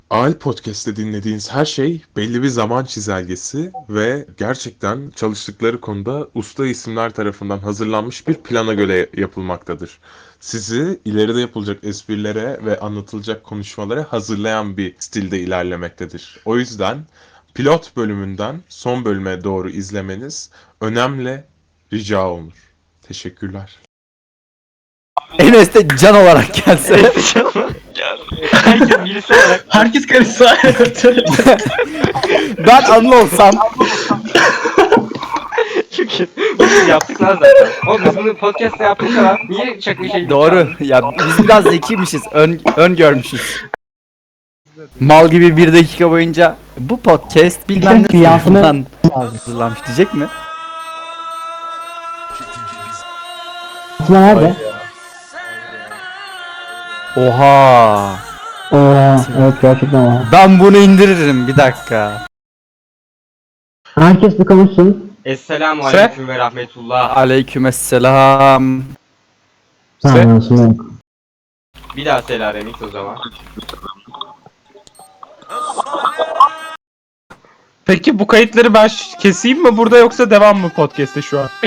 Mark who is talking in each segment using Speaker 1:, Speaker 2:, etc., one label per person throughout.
Speaker 1: AL Podcast'te dinlediğiniz her şey belli bir zaman çizelgesi ve gerçekten çalıştıkları konuda usta isimler tarafından hazırlanmış bir plana göre yapılmaktadır. Sizi ileride yapılacak esprilere ve anlatılacak konuşmalara hazırlayan bir stilde ilerlemektedir. O yüzden pilot bölümünden son bölüme doğru izlemeniz önemli rica olunur. Teşekkürler.
Speaker 2: Enes de can olarak gelse.
Speaker 3: Herkes birisi olarak.
Speaker 4: Herkes karışsa.
Speaker 2: Ben Anıl olsam.
Speaker 3: Çünkü biz yaptık lan zaten. Oğlum biz bunu podcast'ta yaptık falan. Niye çok bir şey
Speaker 2: Doğru. Ya biz biraz zekiymişiz. Ön görmüşüz. Mal gibi 1 dakika boyunca bu podcast bilmem ne tarafından hazırlanmış diyecek mi?
Speaker 5: Aslında nerede?
Speaker 2: Oha.
Speaker 5: Evet gerçekten o.
Speaker 2: Ben bunu indiririm bir dakika.
Speaker 5: Herkes bir konuşsun.
Speaker 3: Esselamu aleyküm ve rahmetullah.
Speaker 2: Aleykümselam.
Speaker 5: Tamam aslında yok.
Speaker 3: Bir daha selam remix o zaman.
Speaker 4: Peki bu kayıtları ben keseyim mi burada yoksa devam mı podcast'te şu an?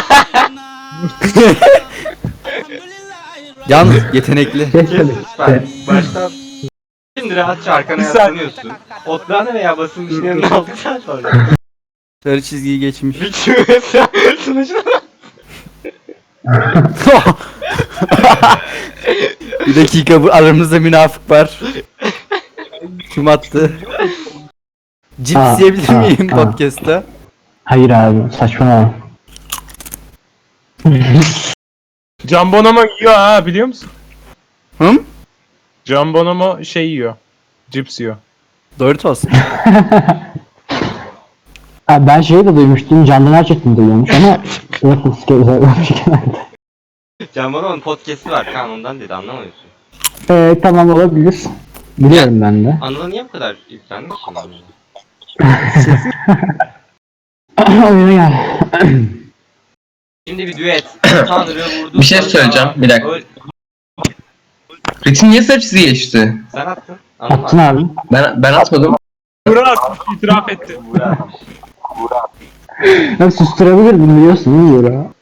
Speaker 2: Yalnız yetenekli.
Speaker 5: Kes
Speaker 3: Kes lütfen. Baştan. Şimdi rahatça arkana
Speaker 4: Bir saniye.
Speaker 3: yaslanıyorsun. Otlarını veya basılmış yanına aldıktan sonra.
Speaker 2: Sarı çizgiyi geçmiş.
Speaker 3: Bütün mesela sunucuna.
Speaker 2: Bir dakika, bu aramızda münafık var. Kim attı? Cips yiyebilir miyim podcast'ta?
Speaker 5: Hayır abi saçmalama.
Speaker 4: Can Bonomo yiyor ha, biliyor musun?
Speaker 2: Hım?
Speaker 4: Can Bonomo şey yiyor. Cips yiyor.
Speaker 2: Doritos.
Speaker 5: Abi ben şeyi de duymuştum. Candan Erçetin duyuyormuş ama yok uzaklaşmış genelde.
Speaker 3: Can Bonomo'nun podcast'i var. Kaan ondan dedi anlamıyorsun.
Speaker 5: Tamam olabilir. Biliyorum ben de.
Speaker 3: Anıl'a niye bu kadar yüklendik şimdi?
Speaker 5: Oyuna gel.
Speaker 3: Şimdi bir düet. Tanrı vurdu.
Speaker 6: Bir şey
Speaker 3: sana.
Speaker 6: söyleyeceğim, bir dakika. Ritim niye sarı çizgiye geçti?
Speaker 3: Sen attın. Anıl
Speaker 5: Attın abi.
Speaker 6: Ben atmadım.
Speaker 4: Burak itiraf etti.
Speaker 5: Ya susturabilirdim biliyorsun değil mi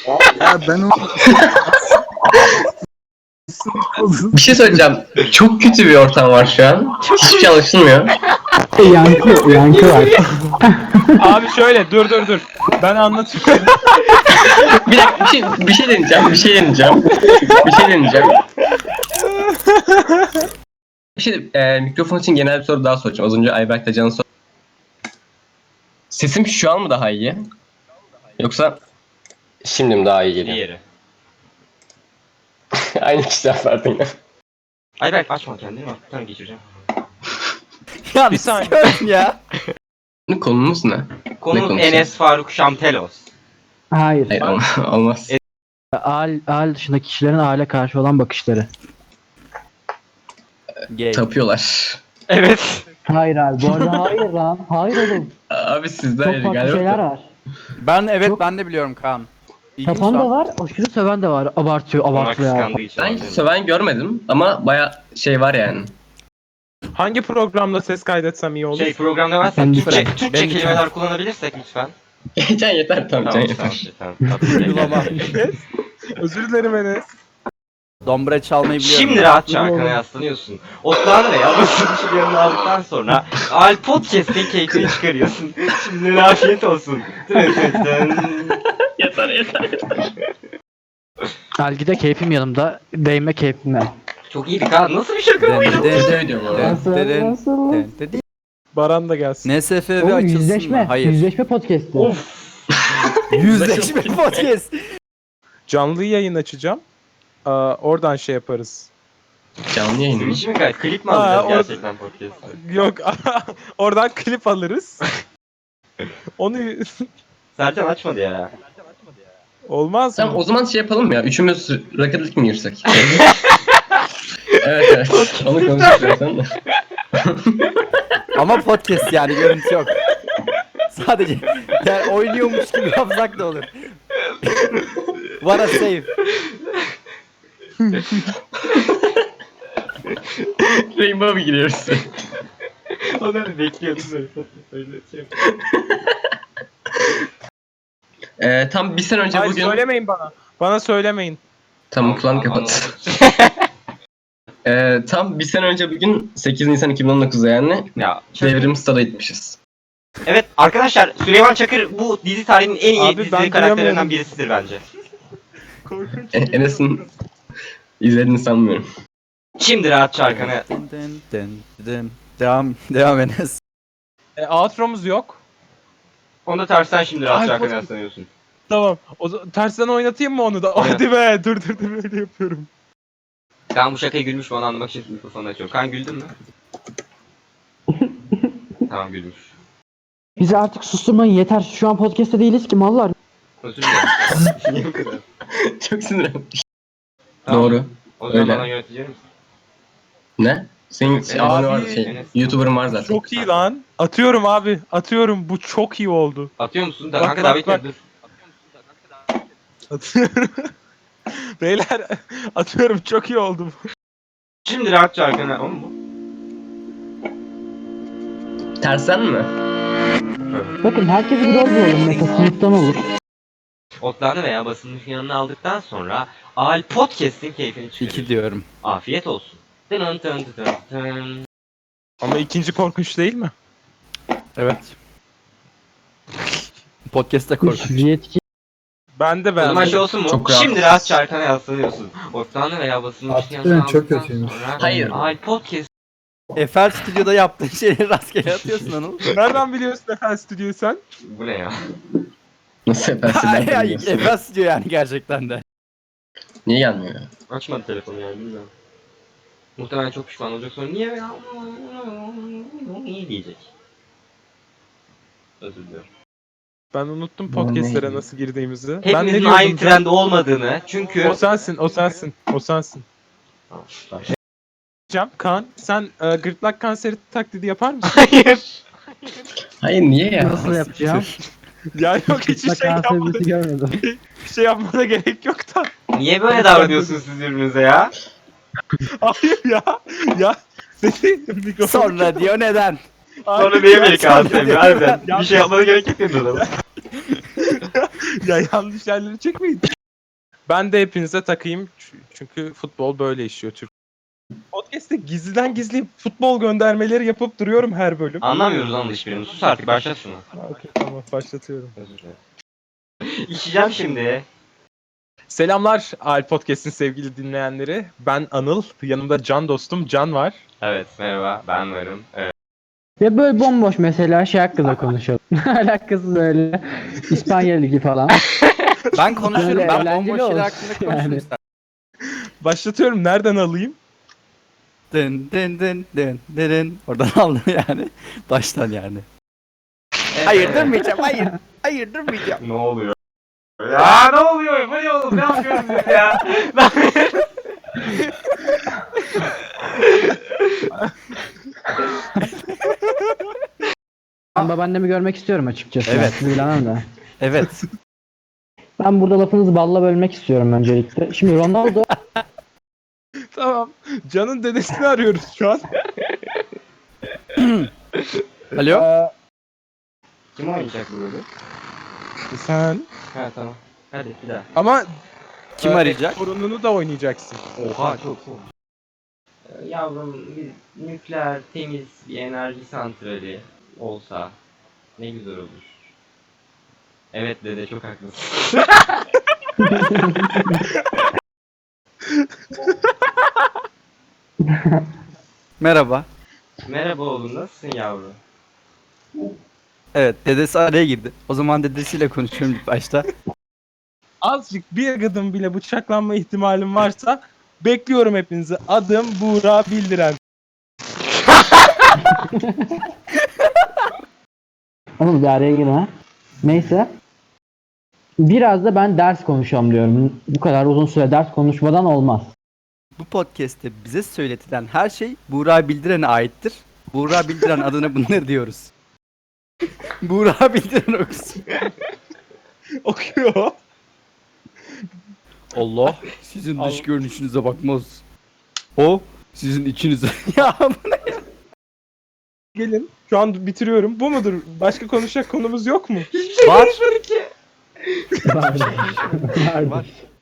Speaker 6: Bir şey söyleyeceğim. Çok kötü bir ortam var şu an. Hiçbir şey anlaşılmıyor.
Speaker 5: Yankı var.
Speaker 4: Abi şöyle dur. Ben anlatayım.
Speaker 6: Bir dakika, bir şey deneyeceğim. Mikrofon için genel bir soru daha soracağım. Az önce Ayberk de Can'a sor. Sesim şu an mı daha iyi? Yoksa şimdi mi daha iyi geliyor?
Speaker 3: Diğeri.
Speaker 6: Aynı kişiler zaten ya.
Speaker 3: Ayberk açma kendini bak. Bir tane geçireceğim.
Speaker 2: Ya
Speaker 4: Bir saniye.
Speaker 2: sıkıyorum ya.
Speaker 6: Konumuz ne?
Speaker 3: Konumuz
Speaker 6: konuşuyor?
Speaker 3: Enes Faruk Şamtelos.
Speaker 5: Hayır.
Speaker 6: Hayır, olmaz.
Speaker 5: Aile dışındaki kişilerin aile karşı olan bakışları.
Speaker 2: Gay.
Speaker 6: Tapıyorlar.
Speaker 3: Evet.
Speaker 5: Hayır abi bu arada hayır lan. Hayır oğlum.
Speaker 6: Abi sizden
Speaker 5: Çok farklı şeyler var.
Speaker 2: Ben de biliyorum Kaan. İlginç
Speaker 5: Tapan
Speaker 2: lan.
Speaker 5: da var, aşırı söven de var. Abartıyor
Speaker 3: Ona
Speaker 5: ya.
Speaker 3: kıskandığı için.
Speaker 6: Ben hiç söven görmedim ama baya şey var yani.
Speaker 4: Hangi programda ses kaydetsem iyi olur?
Speaker 3: Şey programda varsa
Speaker 5: Ben
Speaker 3: Türkçe,
Speaker 5: lütfen.
Speaker 3: Türkçe
Speaker 2: Ben
Speaker 3: kelimeler kullanabilirsek lütfen.
Speaker 6: Can yeter, tamam Can yeter.
Speaker 3: Tamam.
Speaker 2: Uygulama.
Speaker 4: Özür dilerim Enes.
Speaker 2: Dombra çalmayı biliyorum.
Speaker 3: Şimdi rahatça arkana yaslanıyorsun. Otlarını veya basılmış yanına aldıktan sonra Al Podcast'in keyfini çıkarıyorsun. Şimdi afiyet olsun.
Speaker 6: Yeter.
Speaker 5: Algide keyfim yanımda, değme keyfimle.
Speaker 3: Çok iyiydi Kaan. Nasıl bir şaka bu ya?
Speaker 6: Kötü video bu arada.
Speaker 5: Nasıl?
Speaker 4: Baran da gelsin.
Speaker 2: NSFV
Speaker 5: Oğlum
Speaker 2: açılsın
Speaker 5: yüzleşme,
Speaker 2: mı? Hayır.
Speaker 5: yüzleşme podcast'i.
Speaker 2: Yüzleşme podcast.
Speaker 4: Canlı yayın açacağım. Oradan şey yaparız.
Speaker 6: Canlı yayın mı?
Speaker 3: Switch mi gayet? Klip mi alacağız
Speaker 4: orada-
Speaker 3: gerçekten podcast'ı?
Speaker 4: Yok oradan klip alırız. Onu
Speaker 3: Sercan açmadı ya.
Speaker 4: olmaz
Speaker 6: Tamam,
Speaker 4: mı?
Speaker 6: o zaman şey yapalım ya. Üçümüz Rocket League mi girsek? Evet. Onu konuştuk zaten de.
Speaker 2: Ama podcast yani, görüntü yok. Sadece yani oynuyormuş gibi yapsak da olur. What a save.
Speaker 6: Rainbow'a giriyoruz.
Speaker 3: Onları bekliyordum böyle. Öyle şey.
Speaker 6: Tam bir sene önce
Speaker 4: Hayır
Speaker 6: bugün...
Speaker 4: söylemeyin bana. Bana söylemeyin.
Speaker 6: Tamam kulağını kapat. Tam bir sene önce bugün 8 Nisan 2019'da yani
Speaker 3: Ya
Speaker 6: Devrim Stada gitmişiz.
Speaker 3: evet arkadaşlar Süleyman Çakır bu dizi tarihinin en iyi
Speaker 4: Abi,
Speaker 3: dizi
Speaker 4: ben
Speaker 3: karakterlerinden
Speaker 4: duyamıyorum.
Speaker 3: birisidir bence.
Speaker 6: Enes'in izlediğini sanmıyorum.
Speaker 3: Şimdi rahatça arkana.
Speaker 2: Dın dın dın dın. Devam Enes.
Speaker 4: Outro'muz yok.
Speaker 3: Onu da tersten şimdi rahatça
Speaker 4: Ay,
Speaker 3: arkana
Speaker 4: pot-
Speaker 3: yaslanıyorsun.
Speaker 4: Tamam. Tersten oynatayım mı onu da?
Speaker 3: Oynat.
Speaker 4: Hadi be. Dur böyle yapıyorum.
Speaker 3: Ben bu şakayı gülmüş mü onu anlamak için mikrofonu açıyorum. Kan güldün mü? Tamam gülmüş.
Speaker 5: Bizi artık susturmayın yeter. Şu an podcast'te değiliz ki mallar.
Speaker 3: Özür dilerim. Niye bu kadar?
Speaker 6: Çok sinirlenmiş.
Speaker 3: Tamam.
Speaker 6: Doğru.
Speaker 3: O zaman
Speaker 6: Öyle.
Speaker 3: bana yönetici misin?
Speaker 6: Ne? Senin
Speaker 3: Abi,
Speaker 6: abone var
Speaker 3: Enes.
Speaker 6: YouTuber'ın var zaten.
Speaker 4: Çok iyi lan. Atıyorum abi. Atıyorum. Bu çok iyi oldu.
Speaker 3: Atıyor musun?
Speaker 4: Bak,
Speaker 3: Kanka
Speaker 4: bak,
Speaker 3: davet
Speaker 4: bak.
Speaker 3: et dur.
Speaker 4: Atıyorum. Beyler atıyorum. Çok iyi oldu bu.
Speaker 3: Şimdi rahatça arkana. Oğlum bu.
Speaker 6: Tersen mi?
Speaker 5: Bakın herkes bir rol bulalım. Mesela sınıftan olur.
Speaker 3: Otlarını veya basılmış yanına aldıktan sonra Al Podcast'in keyfini çıkarır.
Speaker 2: 2 diyorum.
Speaker 3: Afiyet olsun. Tın tın tın tın.
Speaker 4: Ama ikinci korkunç değil mi?
Speaker 2: Evet. Podcast'te korkunç.
Speaker 5: Yetki.
Speaker 4: Ben de
Speaker 3: O zaman
Speaker 4: beğendim.
Speaker 3: şey olsun mu?
Speaker 6: Çok rahat.
Speaker 3: Şimdi rahatça arkana yaslanıyorsun. Otlarını veya basılmış yanına aldıktan sonra
Speaker 6: Hayır.
Speaker 3: Al Podcast
Speaker 2: Eiffel Stüdyo'da yaptığın şeyleri rastgele atıyorsun Anıl.
Speaker 4: Nereden biliyorsun Efendim Stüdyo'yu sen?
Speaker 3: bu ne ya?
Speaker 6: Nasıl
Speaker 2: Ay,
Speaker 6: yaparsın?
Speaker 2: ay, Eiffel Stüdyo yani gerçekten de.
Speaker 6: Niye gelmiyor?
Speaker 3: Açmadı telefonu yani bilmiyorum. Muhtemelen çok pişman olacak sonra niye ya? Niye diyecek? Özür diliyorum.
Speaker 4: Ben unuttum podcastlere nasıl girdiğimizi. Ben ne
Speaker 3: Hepimizin
Speaker 4: diyordum
Speaker 3: aynı
Speaker 4: Can?
Speaker 3: trende olmadığını çünkü...
Speaker 4: O sensin, o sensin, o sensin. Cem, Kaan, sen gırtlak kanseri taklidi yapar mısın?
Speaker 3: Hayır.
Speaker 6: Hayır niye ya?
Speaker 5: Nasıl yapacağım?
Speaker 4: Ya yok hiçbir şey yapmana,
Speaker 5: görmedim.
Speaker 4: bir şey yapmana gerek yok da.
Speaker 3: Niye böyle davranıyorsunuz siz birbirinize ya?
Speaker 4: Hayır ya, ya. Seni mikrofon...
Speaker 2: Sonra diyor neden?
Speaker 3: Sonra niye beni
Speaker 2: Sonra
Speaker 3: kağıt
Speaker 2: diyor,
Speaker 3: harbiden?
Speaker 4: Ya-
Speaker 3: Bir şey yapmana gerek yok dedin adama.
Speaker 4: Ya yanlış yerleri çekmeyin. Ben de hepinize takayım çünkü futbol böyle işiyor Türk. Podcast'te gizliden gizli futbol göndermeleri yapıp duruyorum her bölüm.
Speaker 3: Anlamıyoruz lan hiçbirini. Sus artık başlat şunu.
Speaker 4: Okey, tamam başlatıyorum.
Speaker 3: Özür dilerim. İçeceğim şimdi.
Speaker 4: Selamlar Al Podcast'in sevgili dinleyenleri. Ben Anıl. Yanımda can dostum Can var.
Speaker 3: Evet merhaba ben varım. Evet.
Speaker 5: Ya böyle bomboş mesela şey hakkında konuşalım. Alakasız öyle. İspanya Ligi falan.
Speaker 2: Ben konuşurum.
Speaker 5: Böyle
Speaker 2: Ben
Speaker 5: eğlenceli
Speaker 2: bomboş şeyler
Speaker 5: olsun
Speaker 2: hakkında konuşurum
Speaker 5: yani.
Speaker 2: istersen.
Speaker 4: Başlatıyorum. Nereden alayım?
Speaker 2: Dın dın dın dın dın dın. Oradan aldım yani. Baştan yani. Hayır durmayacağım. Hayır. Hayır durmayacağım.
Speaker 3: Ne oluyor? Ya ne oluyor? Bu ne oğlum? Ne yapıyorsunuz ya?
Speaker 5: Ben babaannemi görmek istiyorum açıkçası.
Speaker 2: Evet.
Speaker 5: Sizi bilemem de.
Speaker 2: Evet.
Speaker 5: Ben burada lafınızı balla bölmek istiyorum öncelikle. Şimdi Ronaldo
Speaker 4: Tamam. Can'ın dedesini arıyoruz şu an.
Speaker 2: Alo.
Speaker 3: Kim oynayacak bu bölüm?
Speaker 4: Sen.
Speaker 3: Ha tamam. Hadi bir daha.
Speaker 4: Ama
Speaker 2: Kim arayacak?
Speaker 4: sorununu da oynayacaksın.
Speaker 3: Oha çok soğuk. Yavrum bir nükleer temiz bir enerji santrali olsa ne güzel olur. Evet dede çok haklısın.
Speaker 2: Merhaba.
Speaker 3: Merhaba oğlum nasılsın yavrum?
Speaker 2: Evet dedesi araya girdi. O zaman dedesiyle konuşuyorum ilk başta.
Speaker 4: Azıcık bir adım bile bıçaklanma ihtimalim varsa bekliyorum hepinizi. Adım Buğra Bildiren.
Speaker 5: Anıl bir araya girme. Neyse. Biraz da ben ders konuşalım diyorum. Bu kadar uzun süre ders konuşmadan olmaz.
Speaker 2: Bu podcast'te bize söyletilen her şey Buğra Bildiren'e aittir. Buğra Bildiren adına bunları diyoruz. Buğra Bildiren okusun.
Speaker 4: Okuyor.
Speaker 2: Allah sizin dış
Speaker 4: Allah.
Speaker 2: görünüşünüze bakmaz. O sizin içinize. Ya bu ne?
Speaker 4: Gelin. Şu an bitiriyorum. Bu mudur? Başka konuşacak konumuz yok mu?
Speaker 2: Var.
Speaker 5: Vardır. Vardır.
Speaker 2: Var.